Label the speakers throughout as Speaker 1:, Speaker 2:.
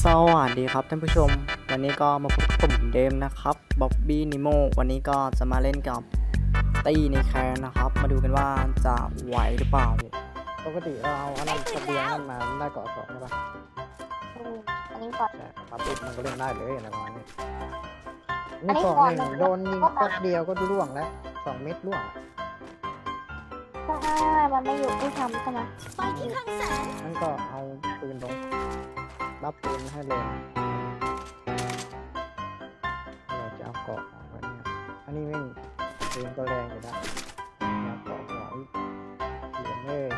Speaker 1: สวัสดีครับท่านผู้ชมวันนี้ก็มาพบกับผมเหมือนเดิมนะครับบ๊อบบี้นิโมวันนี้ก็จะมาเล่นกับตี้ในแคนนะครับมาดูกันว่าจะไหวหรือเปล่าปกติเราเอาอันนั้นทะเบียนนั่นมาได้เกาะสองใช่ปะ
Speaker 2: อันนี้ก่อน
Speaker 1: ใช่ครับปุ๊บมันก็เล่นได้เลยอะไรประมาณนี้
Speaker 2: อันนี้
Speaker 1: นี่
Speaker 2: ก่อน
Speaker 1: 1โดนยิงแป๊บเดียวก็ร่วงแล้ว2 เม็ดร่วง
Speaker 2: ใช่มันไม่อยู่ที่ทำใช่ไหม
Speaker 3: ไฟที่คลังแสง
Speaker 1: นั่นก็เอาปืนลงรับปืนให้เลยเราจะเอาเกาะออกไปเนี่ยอันนี้ไม่ปืนก็แรงอยู่แล้วเอาเกาะหัวอีกเขียนเลยว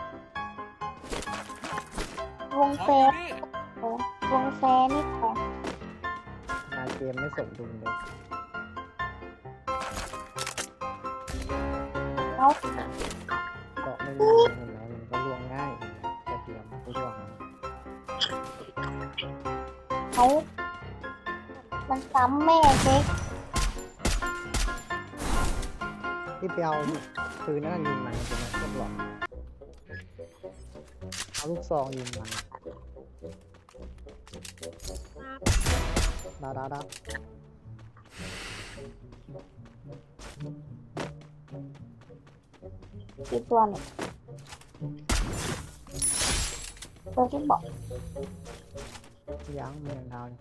Speaker 2: งเฟสวงเฟสนี่ของ
Speaker 1: นาเกมไม่สมดุลเลย
Speaker 2: เขา
Speaker 1: เกาะไม่มีเห็นไหมมันก็ล่วงง่ายแต่เตรียมก็ล่วงนะ
Speaker 2: เขามันซ้ำแม่เช็ค
Speaker 1: ที่ไปเอาปืนนั่นยิงมันใช่ไหมก็บอกเอาลูกซองยิงมันดา
Speaker 2: กี่ตัวเนี่ยตัวที่บอก
Speaker 1: ยั้งมันยังดาวอยู่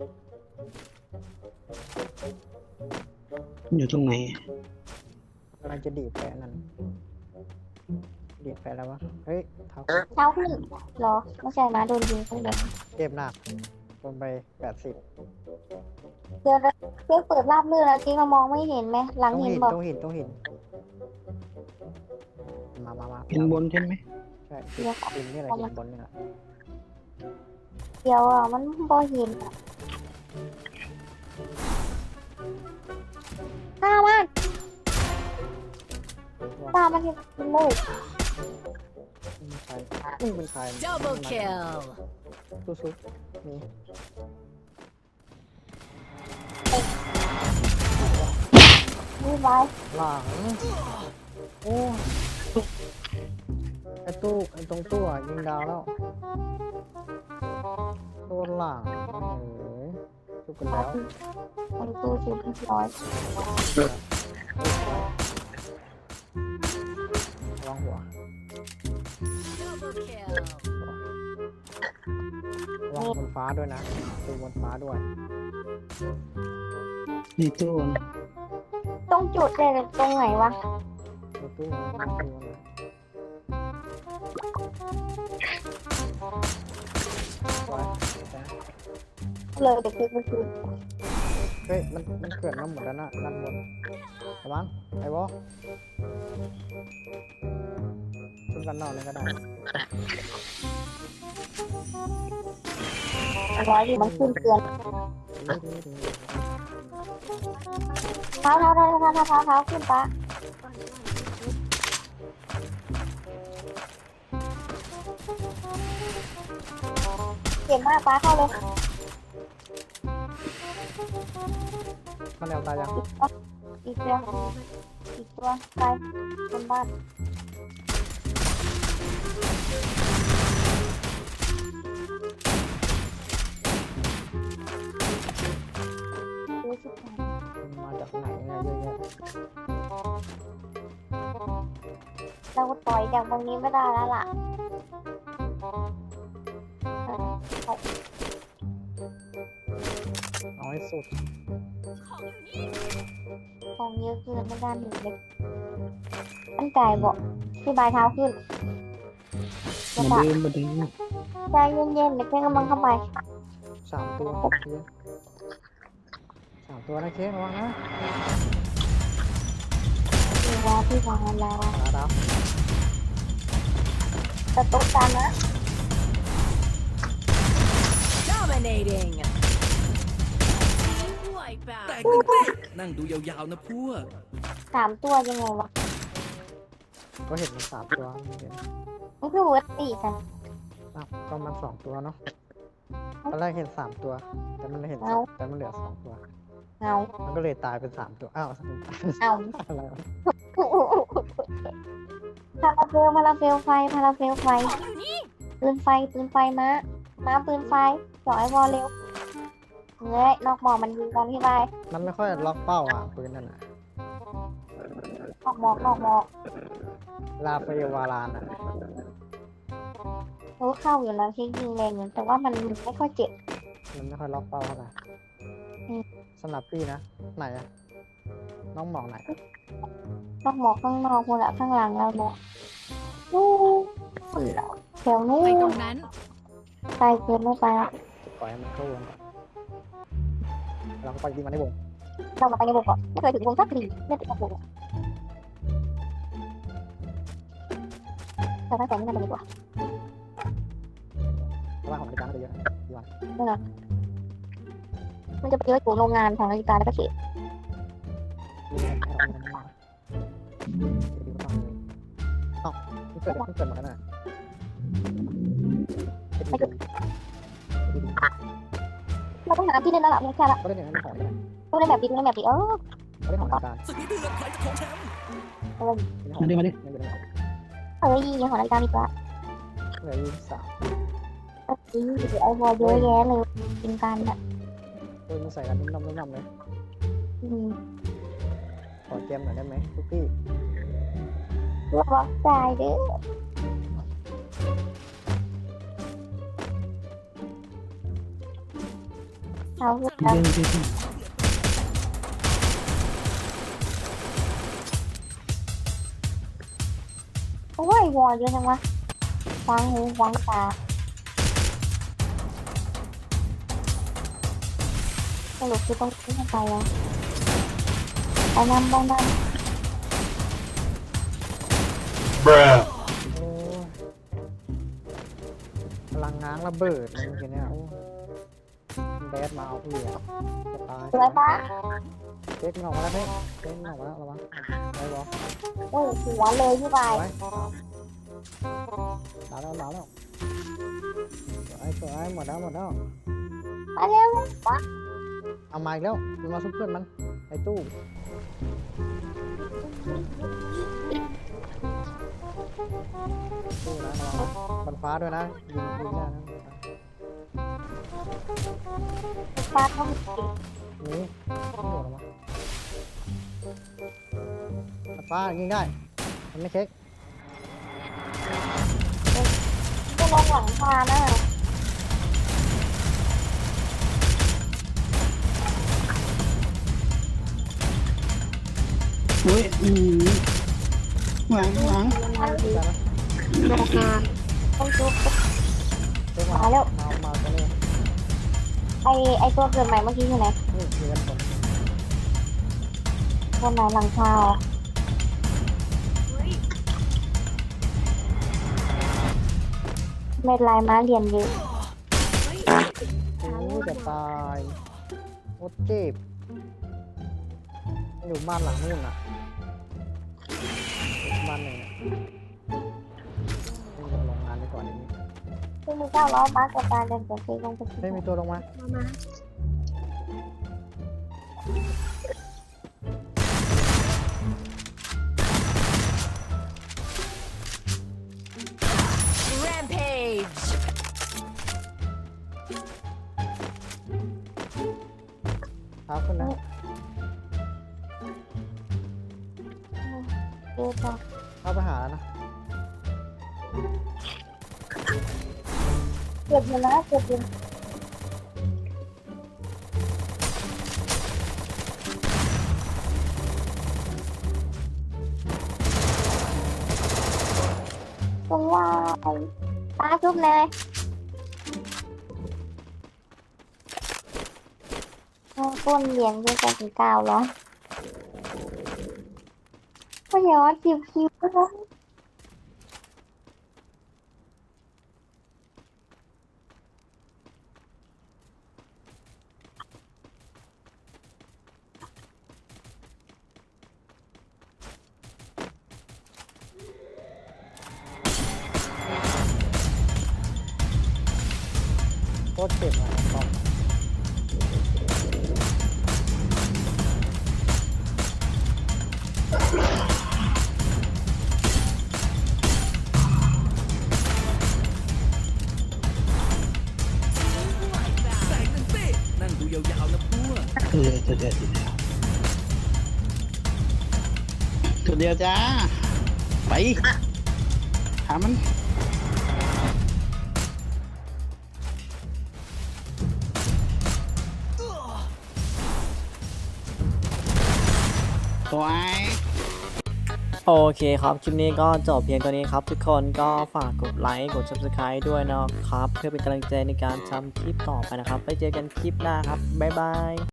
Speaker 4: อยู่ตรงไหน
Speaker 1: กำลังจะดีดไปอันนั้นดีดไปแล้ววะเฮ้ยเท้า
Speaker 2: เท้าขึ้นเหรอไม่ใช่นะโดนยิงข้างบน
Speaker 1: เจ็บหนักลงไป80
Speaker 2: เดี๋ยวเพื่อเปิดราบเลือดแล้วที่เรามองไม่เห็นไหมหลัง
Speaker 1: ต้อง
Speaker 2: เห็น
Speaker 1: หิน
Speaker 2: บอก
Speaker 1: ต้องหินต้องหินมา
Speaker 4: เป็นบนใช่ไหม
Speaker 1: ใช่หินนี่แหละหินบนนี่แหละ
Speaker 2: เดี๋ยวอ่ะมันบอเห็นข้ามันข้ามันเห็นเลย
Speaker 1: นี่เป็นใคร
Speaker 3: Double kill
Speaker 1: สู้ๆนี่
Speaker 2: นี่ไว้
Speaker 1: หลังโอ้ไอตู้ไอตรงตู้อ่ะยิงดาวแล้วตัวหลังสู้กันแล้ว
Speaker 2: มันตู้ชุดร้อย
Speaker 1: ระวังหัว
Speaker 3: Double kill
Speaker 1: ระวังบนฟ้าด้วยนะดูบนฟ้าด้วย
Speaker 4: ในตู้
Speaker 2: ต้องจุดเลยตรงไหนวะ
Speaker 1: ตัวตู้มันดูนะไว้นะ
Speaker 2: เลยเด็กๆมันคือ
Speaker 1: เฮ้ยมันเกิดมาหมดแล้วนะด้านบนระวังไอ้วอชุดกันนอกเลยก็ได้
Speaker 2: ร้อยมันขึ้นเตือนเท้าขึ้นปะเก่งมากปะเข้าเลย
Speaker 1: มันแนวตายยัง
Speaker 2: อีกตัวไปบนบ้านดูสิ
Speaker 1: มาจากไหนเนี่ยเยอะแยะ
Speaker 2: เราต่อยจากตรงนี้ไม่ได้แล้วล่ะ
Speaker 1: น้อยสุด
Speaker 2: ของเยอะเกินไม่ได้หนึ่งเล็กตั้งใจบอกที่บายเท้าขึ้น
Speaker 4: มาเดินมาเดิน
Speaker 2: ใจเย็นๆเดี๋ยวแค่กำลังเข้าไป
Speaker 1: 3 ตัวเค้ก3 ตัวนะเค้กระวังนะ
Speaker 2: ดูว่าพี่วางแล้ว
Speaker 1: ดาว
Speaker 2: แต่ตุ๊กตานะ
Speaker 3: Dominating Wipeout
Speaker 5: แตกหนึ่งเต้นั่งดูยาวๆนะพวก
Speaker 2: 3 ตัวยังไงวะ
Speaker 1: ก็เห็นมัน3 ตัวเห็น
Speaker 2: มันคือเวิร์ดตีกัน
Speaker 1: ก็มัน2 ตัวเนาะตอนแรกเห็น3 ตัวแต่มันเหลือ2 ตัว
Speaker 2: เอา
Speaker 1: มันก็เลยตายเป็น3 ตัวอ้าว
Speaker 2: เอา
Speaker 1: อะไรวะ
Speaker 2: พาราเฟลไฟ
Speaker 3: ของอยู่นี่
Speaker 2: ปืนไฟม้าปืนไฟจ่อไอ้วอลเร็วเฮ้ยนอกหมอกมันยิงกันพี่บาย
Speaker 1: มันไม่ค่อยล็อกเป้าอ่ะปืนนั่นอ่ะ
Speaker 2: นอกหมอกนอกหมอก
Speaker 1: ลาเฟลวารานอ่ะ
Speaker 2: รู้เข้าอยู่แล้วที่ยิงแรงอยู่แต่ว่ามันไม่ค่อยเจ็บ
Speaker 1: มันไม่ค่อยล็อกเป้าเท่าไหร่
Speaker 2: อืม
Speaker 1: สำหรับพี่นะไหนอะน้องหมองไหน
Speaker 2: นอกหมอกข้างนอกคนละข้างหลังเราเนี่ยนู่นแล้วแถวนู้
Speaker 3: ไป
Speaker 2: น
Speaker 3: ตรงนั้น
Speaker 2: ไกลเกินไม่ไปละ
Speaker 1: ปล่อยให้มันเข้าวงก่อนเราก็ปล่อยยิงมันในวง
Speaker 2: เรามาไปในวงก่อนไม่เคยถึงวงสักทีไม่ติดกับวงแต่ตั้งแต่นี้มันเป็นดีกว่า
Speaker 1: เพราะว่าของนาฬิกามันจะเยอะนะดีกว่า
Speaker 2: มันจะไปเยอะอยู่โรงงานของนาฬิกาแล้วก็เขต
Speaker 1: ดีนะให้เรามีมันมากดีกว่าเลยเอ้าเพิ่งเกิดหมดแล้วน่ะ
Speaker 2: เราต้องหาที่เล่นแล้วล่ะไม่ใช่ละ
Speaker 1: ก็ได้หนึ่งในของนี่แหละ
Speaker 2: ต้องเล่นแบบดีต้องเล่นแบบดี
Speaker 1: ก็ได้ของนาฬิกา
Speaker 5: ศึกนี้เดือดใครจะครองแชมป์
Speaker 1: ไม่ได้ของ
Speaker 4: มาดิ
Speaker 1: ไม่ได้ของ
Speaker 2: ยิงของนาฬิกาดีกว่า
Speaker 1: เหลือ23
Speaker 2: ไอ้บอลเยอะแยะเลยกินกันอ่ะ
Speaker 1: ปืนมันใส่กันนุ่มๆเลย ขอเกมหน่อยได้ไหมทุกพี่
Speaker 2: ระวังใจเด้อเอา
Speaker 4: เดินเดิน
Speaker 2: โอ้ยวอลเยอะจังวะฟังหูฟังตาสรุปคือต้องขึ้นไปแล้วไปนำบ้างน
Speaker 1: โอ้ยพลังง้างระเบิดเลยเมื่อกี้เนี่ยโอ้แบดมาเอาพี่อะจะตาย
Speaker 2: ำสวยปะ
Speaker 1: เช็คมันออกมาแล้วเพ่เช็คมันออกมาแล้วระวังไว้บอ
Speaker 2: โอ้ยหัวเลยพี่บาย
Speaker 1: ไว้มาแล้วมาแล้วสวยหมดแล้ว
Speaker 2: มาเร็วปะ
Speaker 1: เอามาอีกแล้วมันมาซุปเพื่อนมันไอ้ตู้ตู้นะระวังนะบนฟ้าด้วยนะยิงได้นะ
Speaker 2: ปาเข้ามา
Speaker 1: นี่โดดออกมาบนฟ้ายิงได้มันไม่เช็ค
Speaker 2: จะลงหลังคานะ
Speaker 4: โอ้ยหวัง
Speaker 2: มันดี
Speaker 1: ได้ไหม
Speaker 2: ลงคาต้องจุ๊บ
Speaker 1: เช็คมา
Speaker 2: มาแล้ว
Speaker 1: มาตัวนี้
Speaker 2: ไอตัวเกิดใหม่เมื่อกี้อยู่ไหน
Speaker 1: นี่คือกันผล
Speaker 2: ตัวไหนหลังคาเม็ดลายม้าเรียนเยอะ
Speaker 1: โอ้ยจะตายโคตรเจ็บอยู่บ้านหลังนู่นอ่ะบ้านหนึ่งนี่ลงงานไปก่อนอย่างนี้
Speaker 2: ซึ่งมี900ม้ากับการเดินเสียงเพลงลงไป
Speaker 1: ไม่มีตัวลงมา
Speaker 3: Rampage
Speaker 1: เท้าขึ้นนะ
Speaker 2: เยอะจัง
Speaker 1: เข้าไปหาแล้วนะ
Speaker 2: เก็บอยู่นะเก็บอยู่ตรงว่าตาชุบเลยก้นเหรียญด้วยกันถึง900ก็อย่าว่าคิวนะ
Speaker 1: โคตรเจ็บอ่ะตอม
Speaker 5: ยาวๆนะพวก
Speaker 4: ตัวเดียวจ้า ไปหามันตัวไอ้
Speaker 1: โอเคครับ คลิปนี้ก็จบเพียงตัวนี้ครับ ทุกคนก็ฝากกดไลค์กด subscribe ด้วยนะครับ เพื่อเป็นกำลังใจในการทำคลิปต่อไปนะครับไว้เจอกันคลิปหน้าครับ บ๊ายบาย